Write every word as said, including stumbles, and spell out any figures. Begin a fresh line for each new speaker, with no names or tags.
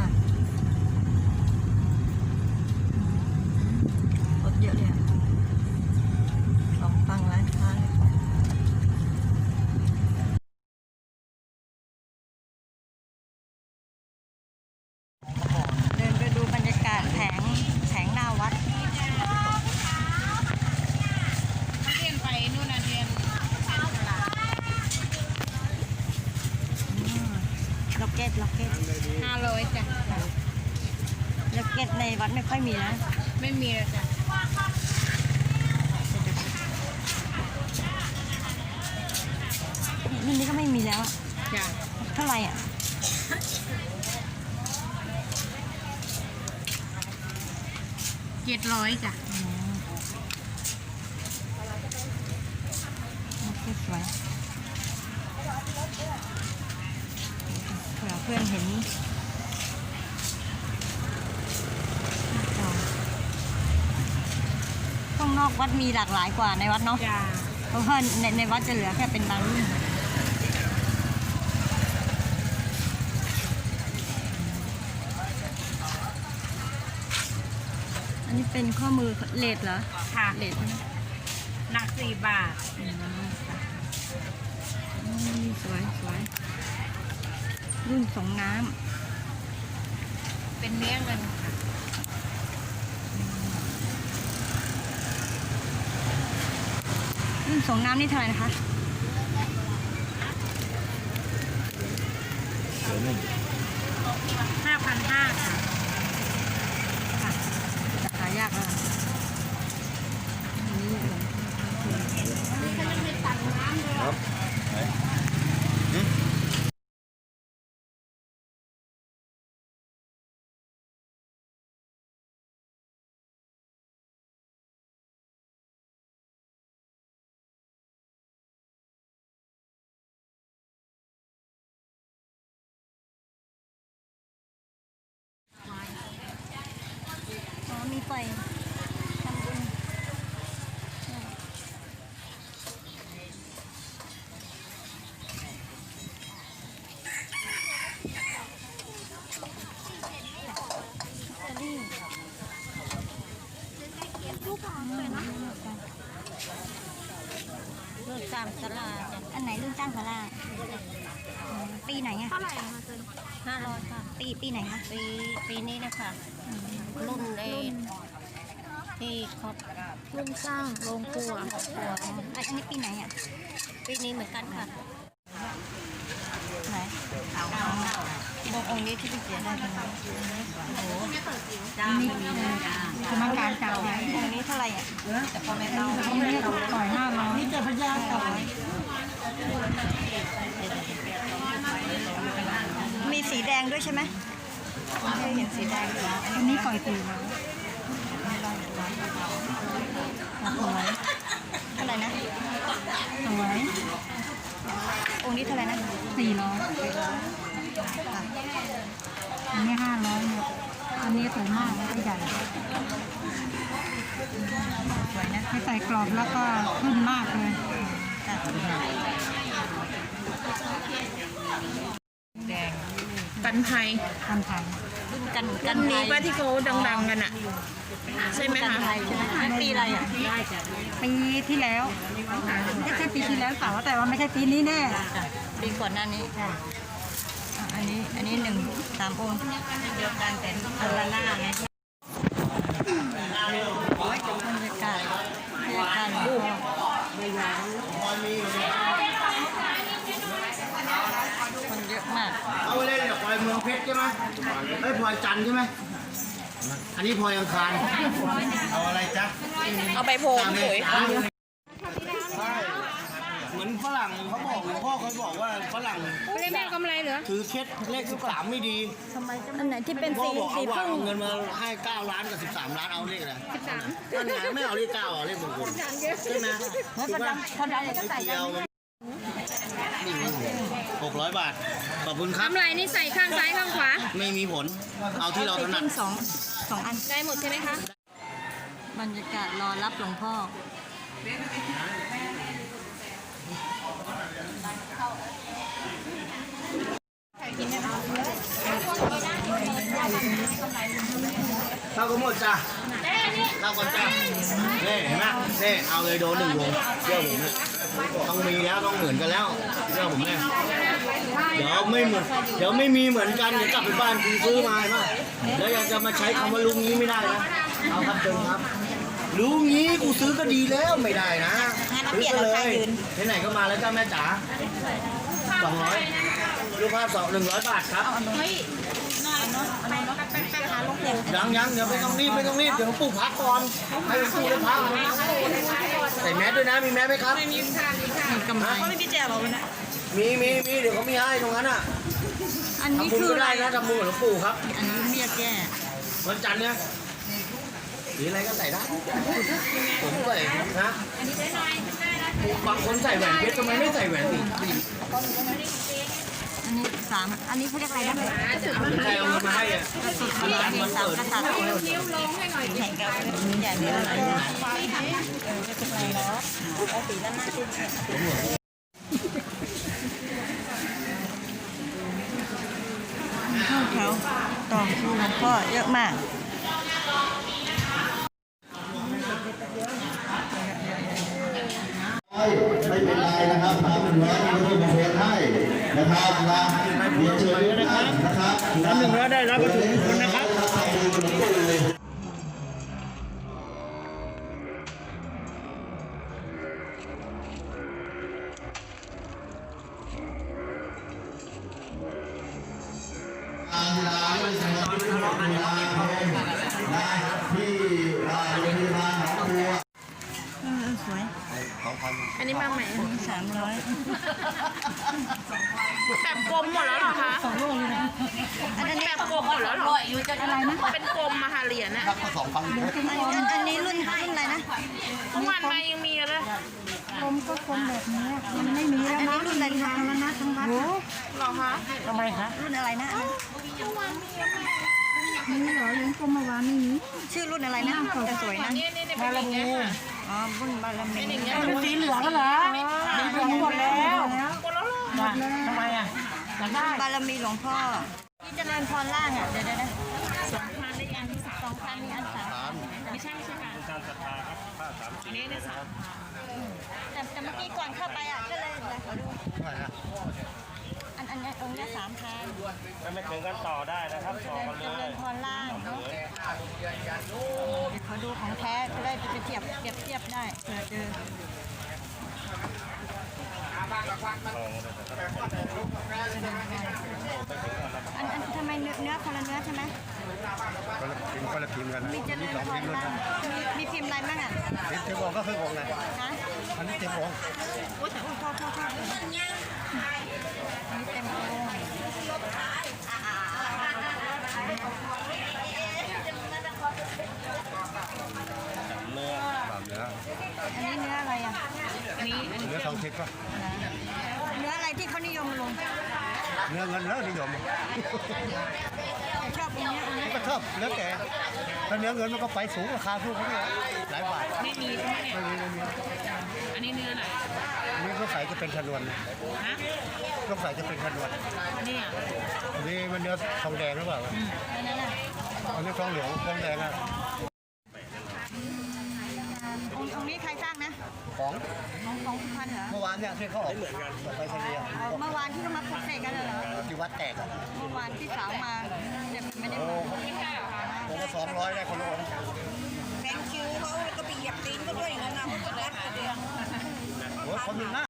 รถเยอะเลยอ่ะสองฝั่งร้านค้าเลยเดินไปดูบรรยากาศแผงแผงหน้าวัด
เรียนไปนู่นนะเรียน
ล็อกเก็ตล็อกเก็ต
ห้าร้อยจ้ะ
ล็อกเก็ตในวัดไม่ค่อยมีนะ
ไม่มีเลยจ้ะ
รุ่นนี้ก็ไม่มีแล้ว
จ้ะ
เท่าไหร่อ่ะ
เจ็ดร้อยจ้ะ
โอเคสวยเผื่อเพื่อนเห็นข้างนอกวัดมีหลากหลายกว่าในวัดเนาะ
จ้ะ
เพราะว่าในในวัดจะเหลือแค่เป็นบางรุ่นอันนี้เป็นข้อมือเลดเหรอ
ค่ะ
เลด
หนักสี่บาท
สวยสวยรุ่นสองน้
ำเป็นเนื้อเงินค่ะ
รุ่นสองน้ำนี่เท่าไหร่นะคะ
ห้าพันห้าค่ะ
ค่ะจะหายากแล้วนี่
ครับ
อ๋อมีไฟทำบุญรุ่นจ้างสลาอันไหนรุ่นจ้างสลาปีไหนอะ
เท่าไหร่คะเจน
ห้าร้อยค่ะปีปีไหนคะ
ปีปีนี้นะคะรุ่นเอที่เขารุ่นสร้างโรงครัว
อันนี้ปีไหนอ่ะ
ปีนี้เหมือนกันค่ะ
ไหนองค์องค์นี้ที่ไปเสียได้เป็นโอ้โห
นี่
กรรมการจับไว้องค์นี้เท่าไหร่อ่ะแต่พอไม่เราองค์นี้ต่อยห้าร้อยนี่เจ้าพญาต่อยมีสีแดงด้วยใช่ไหมไม่เคยเห็นสีแดงอันนี้ปล่อยตีแล้วสวยเท่าไหร่นะสวยองค์นี้เท่าไหร่นะสี่ร้อยอันนี้ห้าร้อยเนี่ยอันนี้สวยมากและใหญ่สวยนะให้ใส่กรอบแล้วก็ขึ้นมากเลย
แดงกันไทย
กันไทยกันกัน
นี้ป้าที่เขาดังๆกันอ่ะใช่ไหมคะ
ปีอะไรอ่ะปีที่แล้วไม่ใช่ปีที่แล้วเปล่าแต่ว่าไม่ใช่ปีนี้แน่ปีก่อนหน้านี้อันนี้อันนี้หนึ่งสามองค์เดียวกันแต่คนละหน้าไงบรรยากาศบรรยากาศคนเยอะมาก
เอาไปเล่นเนี่ยพลอยเมืองเพชรใช่ไหมไอ้พลอยจันทร์ใช่ไหมอันนี้พลอยอังคารเอาอะไรจ๊ะ
เอาไปโพงเลย
เหมือนฝรั่งเขาบอกหลวงพ่อเขาบอกว่าฝรั่ง
ไม่ได้แม่กำไรเหรอ
ถือเคสเลขสิบสามไม่ดี
อันไหนที่เป็นสีสีพึ่ง
เงินมาให้เก้าล้านกับสิบสามล้านเอาเลขอะไรสิบสามนั่นไงไม่เอาเลขเก้าเอาเลขมงคลใช่ไหม
ไม่พอดังพอดังก็ใส่ได้
หกร้อยบาทขอบคุณครับ
กำไรนี่ใส่ข้างซ้ายข้างขวา
ไม่มีผลเอาที่เราถนัด
สองสองอัน
ได้หมดใช่ไหมคะ
บรรยากาศรอรับหลวงพ่อกินได้ไหม
ก็หมดจ้ะเข้าก่อนจ้ะนี่เห็นไหมนี่เอาเลยโดนหนึ่งวงเชื่อผมเนี่ยต้องมีแล้วต้องเหมือนกันแล้วเชื่อผมเนี่ยเดี๋ยวไม่เหมือนเดี๋ยวไม่มีเหมือนกันเดี๋ยวกลับไปบ้านคุณซื้อมาเห็นไหมแล้วยังจะมาใช้คำว่าลุงนี้ไม่ได้นะเอาครับเดิมครับลุงนี้กูซื้อก็ดีแล้วไม่ได้นะซื้อก็เลยที่ไหนก็มาแล้วจ้าแม่จ๋าสองร้อยรูปภาพสองหนึ่งร้อยบาทครับยังยังเดี๋ยวไม่ต้องรีบไม่ต้องรีบเดี๋ยวปู่พักก่อนให้ปู่ได้พักใส่แมสด้วยนะมีแมสไหมครับไม่มีค่ะมีค่ะกำไรเขาไม่มีแจกหรอวะเนี่ยมีมีมีเดี๋ยวเขามีให้ตรงนั้นอ่ะ
อันนี้
ทำบุญ
คือ
ก็
อะไร
ได้นะทำบุญกับหลวงปู่ครับ
อันนี้เรียกแก้
วันจันทร์เนี่ยหรืออะไรก็ใส่ได้ผมใส่นะบางคนใส่แหวนเพชรทำไมไม่ใส่แหวนสี
อันนี้สามอันนี้เขาเรียกอะไรนะ
ใครเอาเงินมาให้อ่ะ
อันนี้อันนี้สามกษัตริย์นิ้วลงให้หน่อยแข่งกับใหญ่เยอะเลยเออไม่เป็นไรเนาะเอาสีด้านหน้าขึ้นเข้าแถวต่อคิวหลวงพ่อเยอะมาก
ไม่เป็นไรนะครับทำหนึ่งร้อยมีคนมาโพสให้นะครับนะเรียนเชิญนะครับนะครับทำหนึ่งร้อยได้รับวัตถุมงคลนะครับทางร้านไม่ใช่ว่าที่โรงพยาบาลนะที่โรงพยาบาลหนองบัว
เออสวย
อันนี้มาใหม่
อันนี้สามร้อย
แบบกลมหมดแล้วเหรอคะ
สองโลเลยนะอันนี้
แบบกลมหมดแล้วเหรอ
อะไรนะ
เป็นกลมมาหาเหรียญอะ
อันอันนี้รุ่นรุ่นอะไรนะ
เมื่อวานมายังมีเลย
กลมก็กลมแบบนี้มันไม่มีแล้วนะรุ่นอะไรทางแล้วนะทั้งวัด
เหรอคะ
ทำไมคะรุ่นอะไรนะนี่เหรอเลี้ยงกลมเมื่อวานนี่ชื่อรุ่นอะไรนะจะสวยนะ
นี่นี่เป็นอย่างเงี้ยค่ะ
อ๋อรุ่นบารมี
เป็นสีเหลืองเหรอ
หมดแล้ว
หมดแล้วเหรอ
ทำไมอ่ะบารมีหลวงพ่อที่เจริญพรล่างอ่ะเดี๋ยวเดี๋ยวสองพันได้อันสองพันมีอันสามไม่ใช่ไม่ใช่ค่ะอันนี้ได้สามแต่แต่เมื่อกี้ก่อนเข้าไปอ่ะก็เลยเดี๋ยวขอดูอันอันนี้องค์นี้สามพัน
ไม่ถึงกันต่อได้นะครับต่อกัน
เจ
เล
ริ
ย
ญพรล่างเนาะขอดูของแท้จะได้ไปเทียบเทียบเทียบได้เผื่อเจออันอันทำไมเนื้อเนื้อคนละเนื้อใช่ไหม
คนละพิมพ์คนละพิมพ์กัน
มีเจริญพรล่างมีมีพิมพ์อะไรบ้างอ่ะ
พิมพ์เต็มองก็คือองค์ไง
ฮะ
อันนี้เต็มอง
โอ้ยแต่โอ้ยโทษโทษโทษอันนี้เต็มองค์
เนื้อ
ตามเนื้อ
อันนี้เนื้ออะไรอ่ะ
อันนี้อันนี้
เนื้อทองทิพย์ป่ะ
เนื้ออะไรที่เขานิยมลง
เนื้อเงินเนื้อนิยม
ชอบตรงนี้อันนี้
ก็ชอบเนื้อแก่ถ้าเนื้อเงินมันก็ไปสูงราคาสูงเขาเนี่ยหลายบาท
ไม่มีใช่ไหมเนี่ย
ไม่มีไม่มี
อันนี้เนื้อไหน
อันนี้ต้องใส่จะเป็นชนวน
ฮะ
ต้องใส่จะเป็นชนวน
อันนี้อ่ะ
อันนี้มันเนื้อทองแดงหรือเปล่า
อันนั้นอ่ะ
อันนี้ทองเหลืองทองแดงอ่ะ
องค์องค์นี้ใครสร้างนะ
ของ
ของของสุพรรณเหรอ
เมื่อวานเนี่ยที่เขาออกเหมือนกันไปทะเล
เอาเมื่อวานที่เขามาปลุกเสกกันเหรอ
ที่วัดแตกอ่ะ
เมื่อวานที่สาวมาเนี่ยไม่ได้
โอ้
มา
ผมก็สองร้อยได้คนละองค์
แบงคิวเขาก็ไปเหยียบตีนก็ด้วยอย่างนั้นนะ
โอ้ยคนหนึ่งนะ